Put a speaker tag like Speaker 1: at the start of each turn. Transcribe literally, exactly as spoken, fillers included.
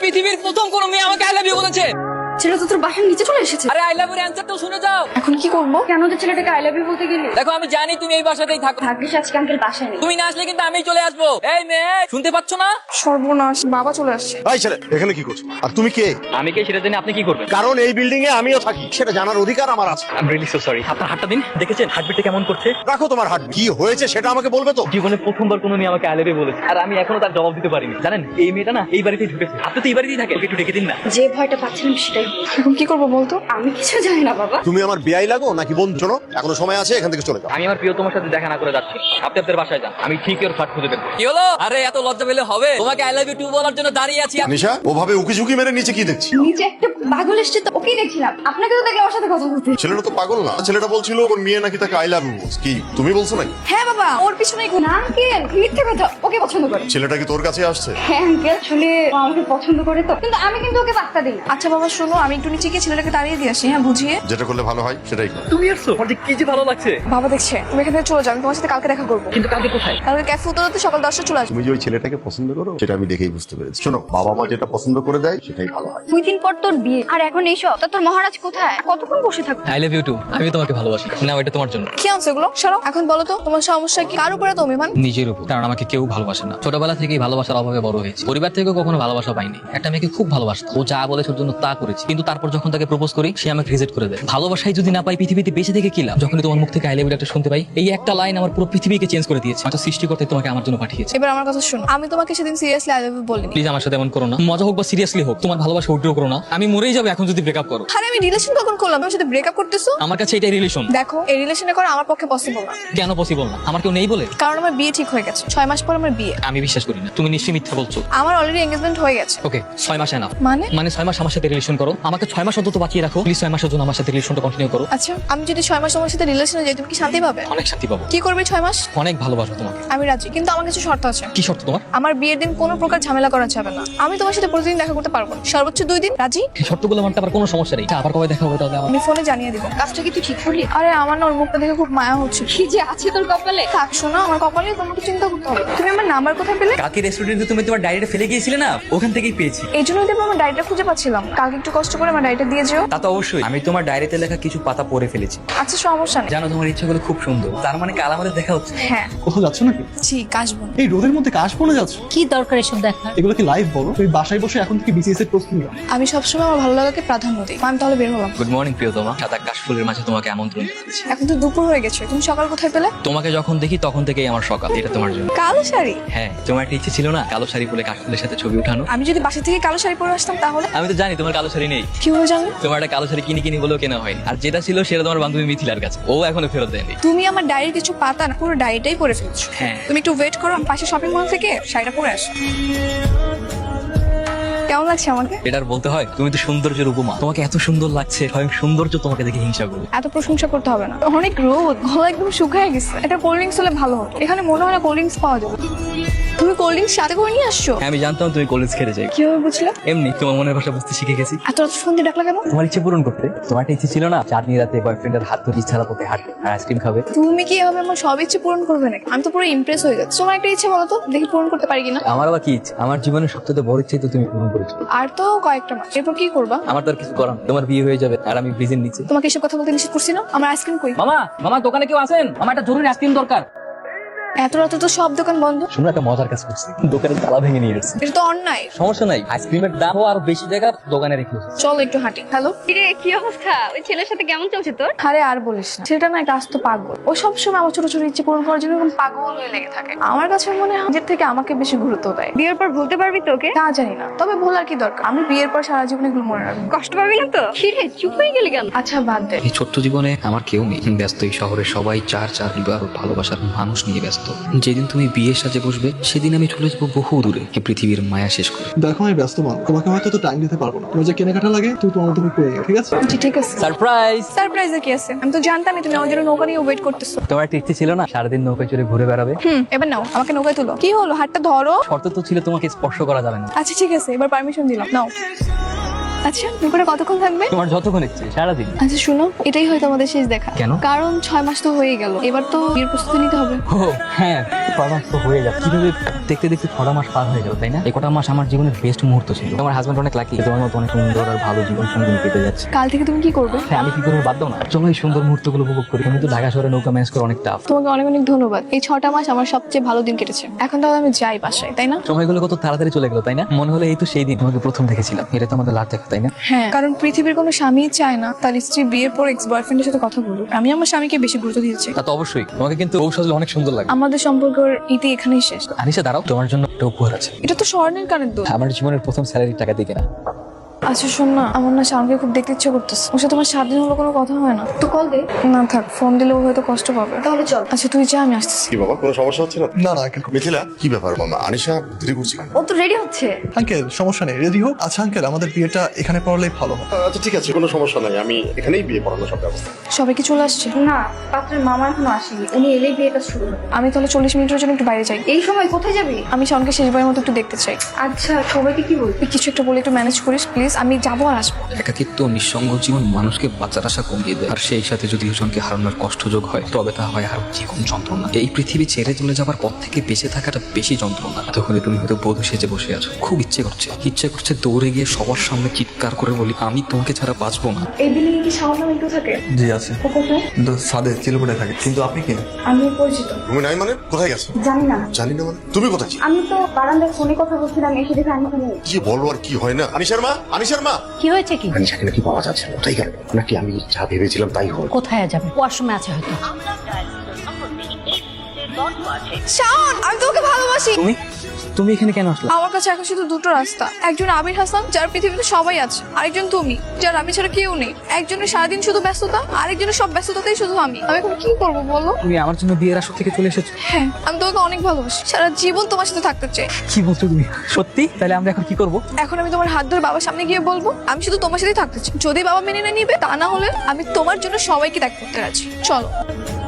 Speaker 1: পৃথিবীর প্রথম কোন মেয়ে আমাকে আই লাভ ইউ বলেছে।
Speaker 2: ছেলে তো তোর বাসার নিচে চলে এসেছে।
Speaker 1: আরে আই লাভ ইউর অ্যানসার তো শুনে যাও।
Speaker 2: এখন কি করবো? কেন যে ছেলেটাকে আই লাভ ইউ বলতে গেলি?
Speaker 1: দেখো আমি জানি তুমি এই বাসাতেই থাকো।
Speaker 2: ভাগ্যিস আজকে আঙ্কেল বাসায় নেই।
Speaker 1: তুমি না আসলে কিন্তু আমি চলে আসবো। এই মেয়ে শুনতে পাচ্ছ না?
Speaker 2: সর্বনাশ, বাবা চলে আসছে।
Speaker 3: এই ছেলে এখানে কি করছো? আর তুমি কে?
Speaker 1: আমি কে সেটা জেনে আপনি কি করবেন?
Speaker 3: কারণ এই বিল্ডিং এ আমিও থাকি, সেটা জানার অধিকার আমার আছে।
Speaker 1: I am really so sorry. আপনার হাতটা দিন। দেখেছেন হার্টবিটটা কেমন করছে?
Speaker 3: রাখো তোমার হাত। কি হয়েছে সেটা আমাকে বলবে তো?
Speaker 1: জীবনে প্রথমবার কোনো মেয়ে আমাকে আই লাভ ইউ বলেছে আর আমি এখনো তার জবাব দিতে পারিনি। জানেন এই মেয়েটা না এই বাড়িতেই ঢুকেছে। আপনি তো এই বাড়িতেই থাকেন, ওকে একটু ডেকে দিন না।
Speaker 2: যে ভয়টা পাচ্ছিলাম সেটাই। এখন কি করবো বলতো? আমি কিছু জানি না বাবা।
Speaker 3: তুমি আমার বিয়াই লাগো নাকি বন্ধু? শোনো, এখনো সময় আছে, এখান থেকে চলে যাও।
Speaker 1: আমি আমার প্রিয় তোমার সাথে দেখা না করে যাচ্ছি। আপনি আপনার বাসায় যান, আমি ঠিক ওর ফ্ল্যাট খুঁজে দেব। কি হলো? আরে এত লজ্জা পেলে হবে? তোমাকে আই লাভ ইউ টু বলার জন্য দাঁড়িয়ে আছি।
Speaker 3: নিশা ওভাবে উকি ঝুঁকি মেরে নিচে কি দেখছি?
Speaker 2: নিচে একটা পাগল এসছে তো, ওকেই দেখছিলাম। আপনাকে তো দেখে ওর সাথে কথা বলতে।
Speaker 3: ছেলেটা তো পাগল না। ছেলেটা বলছিল ওর মেয়ে নাকি তাকে আই লাভ ইউ। কি তুমি বলছো নাকি?
Speaker 2: হ্যাঁ বাবা, ওর পিছনে না আঙ্কেল, মিথ্যে কথা। ওকে পছন্দ করে।
Speaker 3: ছেলেটা কি তোর কাছে আসছে?
Speaker 2: হ্যাঁ আঙ্কেল, আসলে ও আমাকে পছন্দ করে তো, কিন্তু আমি কিন্তু ওকে পাত্তা দিই। আচ্ছা বাবা শোনো, আমি একটু নিচে গিয়ে ছেলেটাকে দাঁড়িয়ে দিয়ে আসি। হ্যাঁ বুঝিয়ে।
Speaker 3: যেটা করলে ভালো হয় সেটাই কর।
Speaker 1: তুমি আসছো? আমার যে কি যে ভালো লাগছে।
Speaker 2: বাবা দেখছে, তুমি এখান থেকে চলে যাও। আমি তোমার সাথে কালকে দেখা করবো।
Speaker 1: কিন্তু কালকে কোথায়?
Speaker 2: কালকে ক্যাফে উত্তরাতে সকাল দশটা চলে আসবো।
Speaker 3: তুমি যে ওই ছেলেটাকে পছন্দ করো সেটা আমি দেখেই বুঝতে পেরেছি। শোনো, বাবা মা যেটা পছন্দ করে দেয় সেটাই ভালো হয়।
Speaker 2: দুই দিন পর তোর বিয়ে, আর এখন এইসব। তা তোর মহারাজ কোথায়? কতক্ষণ বসে থাকবো?
Speaker 1: I love you too. আমি তোমাকে ভালোবাসি। না এটা তোমার জন্য।
Speaker 2: কি আনছো এগুলো? সরাও। এখন বলো তো তোমার সমস্যা কি? কার উপরে তো অভিমান?
Speaker 1: নিজের উপর। কারণ আমাকে কেউ ভালোবাসে না। ছোটবেলা থেকেই ভালোবাসার অভাবে বড় হয়েছে। পরিবার থেকেও কখনো ভালোবাসা পাইনি। একটা মেয়েকে খুব ভালোবাসতাম, ও যা বলেছে ওর জন্য তা করেছি। কিন্তু তারপর যখন তাকে প্রপোজ করি সে আমাকে রিজেক্ট করে দেয়। ভালোবাসাই যদি না পাই পৃথিবীতে বেঁচে থেকে কি লাভ? যখনই তোমার মুখ থেকে আই লাভ ইউ একটা শুনতে পাই, এই একটা লাইন আমার পুরো পৃথিবীকে চেঞ্জ করে দিয়েছে। হয়তো সৃষ্টিকর্তা তোমাকে আমার জন্য পাঠিয়েছে।
Speaker 2: এবার আমার কথা শোনো, আমি তোমাকে সেদিন সিরিয়াসলি আই লাভ ইউ বলিনি।
Speaker 1: প্লিজ আমার সাথে এমন করো না। মজা হোক বা সিরিয়াসলি হোক, তোমার ভালোবাসা উইথড্র করো না। আমি মরেই যাবো এখন যদি ব্রেকআপ করো।
Speaker 2: আরে আমি রিলেশন কখন করলাম? আমার সাথে ব্রেকআপ করতেছো?
Speaker 1: আমার কাছে এটাই রিলেশন।
Speaker 2: দেখো, এই রিলেশনে করা আমার পক্ষে পসিবল না।
Speaker 1: কেন পসিবল না? আমার কেউ নেই বলে?
Speaker 2: কারণ আমার বিয়ে ঠিক হয়ে গেছে। ছয় মাস পর আমার বিয়ে।
Speaker 1: আমি বিশ্বাস করি না। তুমি নিশ্চয়ই মিথ্যা বলছো।
Speaker 2: আমার অলরেডি এঙ্গেজমেন্ট হয়ে গেছে।
Speaker 1: ওকে, ছয় মাস এনাফ।
Speaker 2: মানে?
Speaker 1: মানে ছয় মাস আমার সাথে রিলেশন করো। আমাকে ছয় মাস অন্তত বাঁচিয়ে রাখো প্লিজ। ছয় মাসের জন্য আমার সাথে রিলেশনটা কন্টিনিউ করো।
Speaker 2: আচ্ছা, আমি যদি ছয় মাস তোমার সাথে রিলেশনে যাই, তুমি কি শান্তি পাবে?
Speaker 1: অনেক শান্তি পাবো।
Speaker 2: কি করবে ছয় মাস?
Speaker 1: অনেক ভালোবাসো তোমাকে।
Speaker 2: আমি রাজি, কিন্তু আমার কিছু শর্ত আছে।
Speaker 1: কি শর্ত তোমার?
Speaker 2: আমার বিয়ের দিন কোনো প্রকার ঝামেলা করা যাবে না। আমি তোমার সাথে প্রতিদিন দেখা করতে পারবো না, সর্বোচ্চ দুই দিন। রাজি?
Speaker 1: এই শর্তগুলো মানতে আবার কোনো সমস্যা নেই। আবার কবে দেখা হবে তাহলে? আমার
Speaker 2: আমি ফোনে জানিয়ে দিব। কাজটা কি তুই ঠিক করলি? আরে আমার না ওর মুখটা দেখে খুব মায়া হচ্ছে। কি যে আছে তোর কপালে। থাক শোনো, আমার কপালে তোমাকে চিন্তা করতে হবে। তুমি আমার নাম্বার কোথায় পেলে?
Speaker 1: কালকে রেস্টুরেন্টে তুমি তোমার ডায়েরিটা ফেলে গিয়েছিলে না, ওখান থেকেই পেয়েছি।
Speaker 2: এই জন্যই তো আমার ডায়েরিটা খুঁজে পাচ্ছিলাম। কালকে একটু কষ্ট করে আমার ডায়েরিটা দিয়ে যেও।
Speaker 1: তা তো অবশ্যই। আমি তোমার ডায়েরিতে লেখা কিছু পাতা পড়ে ফেলেছি।
Speaker 2: আচ্ছা সমস্যা নেই।
Speaker 1: জানো তোমার ইচ্ছাগুলো খুব সুন্দর। তার মানে কাল আমাদের দেখা হচ্ছে।
Speaker 2: হ্যাঁ।
Speaker 4: কোথাও যাচ্ছ নাকি?
Speaker 2: জি, কাশবন।
Speaker 4: এই রোদের মধ্যে কাশবনে যাচ্ছ?
Speaker 5: কি দরকার এসব দেখা?
Speaker 4: এগুলো কি লাইভ বলো? তুমি বাসায় বসে এখন থেকে বিসিএস এর প্রস্তুতি নাও।
Speaker 2: আমি সবসময় আমার ভালো লাগাকে প্রাধান্য দিই। আমি তাহলে বের হলাম।
Speaker 1: গুড মর্নিং প্রিয়তমা। সাদা কাশফুলের মাঝে তোমাকে আমন্ত্রণ করেছি।
Speaker 2: এখন তো দুপুর হয়ে গেছে, তুমি সকাল কোথায় পেলে?
Speaker 1: তোমাকে যখন দেখি তখন থেকেই আমার সকাল। এটা তোমার জন্য।
Speaker 2: কালো শাড়ি?
Speaker 1: হ্যাঁ, তোমার একটা ইচ্ছে ছিল না কালো শাড়ি পরে কাশফুলের সাথে ছবি উঠানো?
Speaker 2: আমি যদি বাসা থেকে কালো শাড়ি পরে আসতাম তাহলে?
Speaker 1: আমি তো জানি তোমার কালো শাড়ি নেই।
Speaker 2: কিভাবে জানলে?
Speaker 1: তোমার একটা কালো শাড়ি কিনি কিনি বলেও কেনা হয়নি। আর যেটা ছিল সেটা তোমার বান্ধবী মিথিলার কাছে, ও এখনো ফেরত দেয়নি।
Speaker 2: তুমি আমার ডায়েরির কিছু পাতা না, পুরো ডায়েরিটাই পরে ফেলছো।
Speaker 1: হ্যাঁ।
Speaker 2: তুমি একটু ওয়েট করো, আমি পাশে শপিং মল থেকে শাড়িটা পরে আসো। কেমন লাগছে আমাকে?
Speaker 1: এটার বলতে হয়? তুমি তো সৌন্দর্যের উপমা। তোমাকে এত সুন্দর লাগছে, স্বয়ং সৌন্দর্য তোমাকে দেখে হিংসা করবে।
Speaker 2: এত প্রশংসা করতে হবে না। অনেক রোদ, গলা একদম শুকায় গেছে। একটা কোল্ড ড্রিঙ্কস হলে ভালো হতো। এখানে মনে হয় না কোল্ড ড্রিঙ্কস পাওয়া যাবে। তুমি কোল্ড ড্রিঙ্কস সাথে করে নিয়ে আসছো?
Speaker 1: হ্যাঁ, আমি জানতাম তুমি কলেজ খেতে যাই।
Speaker 2: কিভাবে বুঝলে?
Speaker 1: এমনি তোমার মনের ভাষা বুঝতে শিখে গেছি।
Speaker 2: এত রাত ফোন দিয়ে ডাকলা কেন?
Speaker 1: তোমার ইচ্ছে পূরণ করতে। তোমার একটা ইচ্ছে ছিল না চাঁদনি রাতে বয়ফ্রেন্ডের হাত ধরে ইচ্ছা পথে হাঁটবে আর আইসক্রিম খাবে?
Speaker 2: তুমি কি এভাবে আমার সব ইচ্ছে পূরণ করবে নাকি? আমি তো পুরো ইমপ্রেস হয়ে যাচ্ছি। তোমার একটা ইচ্ছে বলো তো, দেখি পূরণ করতে পারি কিনা।
Speaker 1: আমার আবার কি ইচ্ছে? আমার জীবনের সবচেয়ে বড় ইচ্ছে তো তুমি পূরণ করেছো।
Speaker 2: আর তো কয়েকটা মাস, এরপর কি করবা?
Speaker 1: আমার তো আর কিছু করার নেই। তোমার বিয়ে হয়ে যাবে আর আমি ব্রিজের নিচে।
Speaker 2: তোমাকে এসব কথা বলতে নিষেধ করছি না? আমার আইসক্রিম কই?
Speaker 1: মামা, মামা দোকানে কেউ আছেন? আমার একটা জরুরি আইসক্রিম দরকার।
Speaker 2: এত রাতে তো সব দোকান বন্ধ।
Speaker 1: শুনো, একটা মজার কাজ করছি। দোকানের তালা ভেঙে নিয়ে এসেছি।
Speaker 2: এটা তো অন্যায়।
Speaker 1: সমস্যা নাই, আইসক্রিমের দাম আর বেশি জায়গা দোকানে রেখে এসেছি।
Speaker 2: চলো একটু হাঁটি। হ্যালো।
Speaker 5: কিরে, কি অবস্থা? ওই ছেলের সাথে কেমন চলছে তোর?
Speaker 2: আরে আর বলিস না, সেটা না একটা আস্ত পাগল। ও সবসময় আমার ছোট ছোট ইচ্ছে পূরণ করার জন্য এরকম পাগল হয়ে লেগে থাকে। আমার কাছে মনে হয় নিজের থেকে আমাকে বেশি গুরুত্ব দেয়।
Speaker 5: বিয়ের পর ভুলতে পারবি তো ওকে?
Speaker 2: তা জানি না, তবে ভুলার কি দরকার? আমি বিয়ের পর সারা জীবন এগুলো মনে রাখবো।
Speaker 5: কষ্ট পাবি না তো? কিরে, চুপ হয়ে গেলি কেন?
Speaker 2: আচ্ছা বাদ দে।
Speaker 1: এই ছোট্ট জীবনে আমার কেউ নেই। ব্যস্ত এই শহরে সবাই চার চার বিবাহ ভালোবাসার মানুষ নিয়ে ব্যস্ত। যেদিন তুমি বিয়ের সাজে বসবে সেদিন আমি চলে যাবো বহু দূরে, এই পৃথিবীর মায়া শেষ করে।
Speaker 4: দেখো আমি ব্যস্ত মানুষ, তোমাকে হয়তো তো টাইম দিতে পারবো না। তোমার যে কেনাকাটা লাগে তুই তোমার তুমি করে নিও, ঠিক আছে?
Speaker 2: জি ঠিক আছে।
Speaker 1: সারপ্রাইজ!
Speaker 2: সারপ্রাইজে কি আছে? আমি তো জানতামই তুমি আমার জন্য নৌকা নিয়ে ওয়েট করতেছো।
Speaker 1: তোমার একটা ইচ্ছে ছিল না সারাদিন নৌকায় চড়ে ঘুরে বেড়াবে?
Speaker 2: হুম, এবার নাও, আমাকে নৌকায় তুলো। কি হলো, হাতটা ধরো।
Speaker 1: শর্ত তো ছিল তোমাকে স্পর্শ করা যাবে না।
Speaker 2: আচ্ছা ঠিক আছে, এবার পারমিশন দিলাম, নাও। আচ্ছা দুপুরে কতক্ষণ থাকবে?
Speaker 1: তোমার যতক্ষণ ইচ্ছে সারাদিন।
Speaker 2: আচ্ছা শুনো, এটাই হয়তো আমাদের শেষ দেখা।
Speaker 1: কেন?
Speaker 2: কারণ ছয় মাস তো হয়ে গেল, এবার তো বিয়ের প্রস্তুতি নিতে হবে।
Speaker 1: ও হ্যাঁ, ছয় মাস তো হয়ে যাচ্ছে। কিভাবে দেখতে দেখতে ছটা মাস পার হয়ে গেল, তাই না? এই কটা মাস আমার জীবনের বেস্ট মুহূর্ত ছিল। আমার হাজবেন্ড অনেক লাকি, তোমার মতো অনেক সুন্দর আর ভালো জীবন সঙ্গী পেতে যাচ্ছে।
Speaker 2: কাল থেকে তুমি কি করবে?
Speaker 1: হ্যাঁ, আমি কি করবো বাদ দাও না, চলো এই সুন্দর মুহূর্তগুলো উপভোগ করি। তুমি তো ঢাকা শহরে নৌকা ম্যানেজ করে অনেক টাফ।
Speaker 2: তোমাকে অনেক অনেক ধন্যবাদ। এই ছটা মাস আমার সবচেয়ে ভালো দিন কেটেছে। এখন তাহলে আমি যাই বাসায়, তাই না?
Speaker 1: সময়গুলো কত তাড়াতাড়ি চলে গেল, তাই না? মনে হলো এই তো সেই দিন তোমাকে প্রথম দেখেছিলাম। এটা তো আমাদের লাভ দেখা, তাই না?
Speaker 2: হ্যাঁ, কারণ পৃথিবীর কোনো স্বামী চায় না তার স্ত্রী বিয়ের পর এক্স বয়ফ্রেন্ডের সাথে কথা বলুক। আমি আমার স্বামীকে বেশি গুরুত্ব দিয়েছি।
Speaker 1: তা তো অবশ্যই, তোমাকে কিন্তু বউ সাজলে অনেক সুন্দর লাগে।
Speaker 2: আমাদের সম্পর্কের ইতি এখানেই শেষ।
Speaker 1: আনিশা দাঁড়াও, তোমার জন্য একটা উপহার আছে।
Speaker 2: এটা তো স্বর্ণের কানের দোষ।
Speaker 1: আমার জীবনের প্রথম স্যালারির টাকা দিয়ে কেনা।
Speaker 2: আচ্ছা শোন না, আমার না শাওনকে খুব দেখতে ইচ্ছে করতেছে। ওর সাথে তোমার সাত দিন হলো কোনো কথা হয় না। তো কল দে। না থাক, ফোন দিলে ও হয়তো কষ্ট পাবে। তাহলে চল। আচ্ছা তুই যা, আমি আসতেছি।
Speaker 3: কি বাবা, কোনো সমস্যা হচ্ছে না?
Speaker 4: না না আঙ্কেল।
Speaker 3: মিথিলা, কি ব্যাপার মামা? আনিশা দেরি করছি কেন?
Speaker 5: ও তো রেডি হচ্ছে।
Speaker 4: আঙ্কেল সমস্যা নেই, রেডি হোক। আচ্ছা আঙ্কেল, আমাদের বিয়েটা এখানে পড়লেই ভালো হয়।
Speaker 3: আচ্ছা ঠিক আছে, কোনো সমস্যা নাই, আমি এখানেই বিয়ে পড়ানোর সব ব্যবস্থা।
Speaker 2: সবাই কি চলে আসছে?
Speaker 5: না, পাত্রের মামা এখনো আসেনি। উনি এলেই বিয়েটা শুরু হবে।
Speaker 2: আমি তাহলে চল্লিশ মিনিটের জন্য একটু বাইরে যাই।
Speaker 5: এই সময় কোথায় যাবি?
Speaker 2: আমি শাওনকে শেষবারের মতো একটু দেখতে চাই।
Speaker 5: আচ্ছা, সবাইকে কি বলবি?
Speaker 2: তুই কিছু একটা বলে একটু ম্যানেজ করিস প্লিজ। আমি যাবো আর আসবো।
Speaker 6: একাকিত্ব নিঃসঙ্গ জীবন মানুষকে বাঁচার আশা কমিয়ে দেয়, আর সেই সাথে যদি দুজনকে হারানোর কষ্টযোগ হয় তবে তা হয় আর জীবন যন্ত্রণা। এই পৃথিবী ছেড়ে চলে যাবার পর থেকে বেঁচে থাকাটা বেশি যন্ত্রণা। তখনই তুমি হয়তো বধূ সেজে বসে আছো, খুব ইচ্ছে করছে ইচ্ছে করছে দৌড়ে গিয়ে সবার সামনে চিৎকার করে বলি, আমি তোমাকে ছাড়া বাঁচবো না।
Speaker 2: এই বিল্ডিং কি শাওন নামে একটু থাকে?
Speaker 4: জি আছে,
Speaker 2: ও কোথায়?
Speaker 4: কিন্তু সাদে চিলপটে থাকে। কিন্তু আপনি কে?
Speaker 2: আমি পরিচিত।
Speaker 3: তুমি নাই মানে কোথায় গেছো?
Speaker 5: জানি না।
Speaker 3: জানি না মানে তুমি কোথায় ছিলে?
Speaker 5: আমি তো বারান্দায় ফোনে কথা বলছিলাম, এসে দেখে আমি এখানে।
Speaker 3: কি বলবো আর কি হয় না। আনিশার মা, আনিশার মা।
Speaker 5: কি হয়েছে কি?
Speaker 3: আনিশাকে নাকি পাওয়া যাচ্ছে না, কোথায় গেল? নাকি আমি যা ভেবেছিলাম তাই হল?
Speaker 5: কোথায় যাবে? ওয়াশরুমে আছে হয়তো।
Speaker 2: শাওন, আমি তোমাকে ভালোবাসি।
Speaker 1: তুমি তুমি এখানে কেন আসলে?
Speaker 2: আমার কাছে এখন শুধু দুটো রাস্তা। একজন আবির হাসান, যার পৃথিবীতে সবাই আছে। আরেকজন তুমি, যার আমি ছাড়া কেউ নেই। একজনের সারাদিন শুধু ব্যস্ততা, আরেকজনের সব ব্যস্ততাতেই শুধু আমি। আমি এখন কি করবো বলো?
Speaker 1: তুমি আমার জন্য বিয়ের আসর থেকে চলে এসেছো?
Speaker 2: হ্যাঁ, আমি তোমাকে অনেক ভালোবাসি। সারা জীবন তোমার সাথে থাকতে চাই।
Speaker 1: কি বলছো তুমি? সত্যি? তাহলে আমরা এখন কি করব?
Speaker 2: এখন আমি তোমার হাত ধরে বাবার সামনে গিয়ে বলবো আমি শুধু তোমার সাথেই থাকতে চাই। যদি বাবা মেনে না নিবে, তা না হলে আমি তোমার জন্য সবাইকে ত্যাগ করতে রাজি। চলো।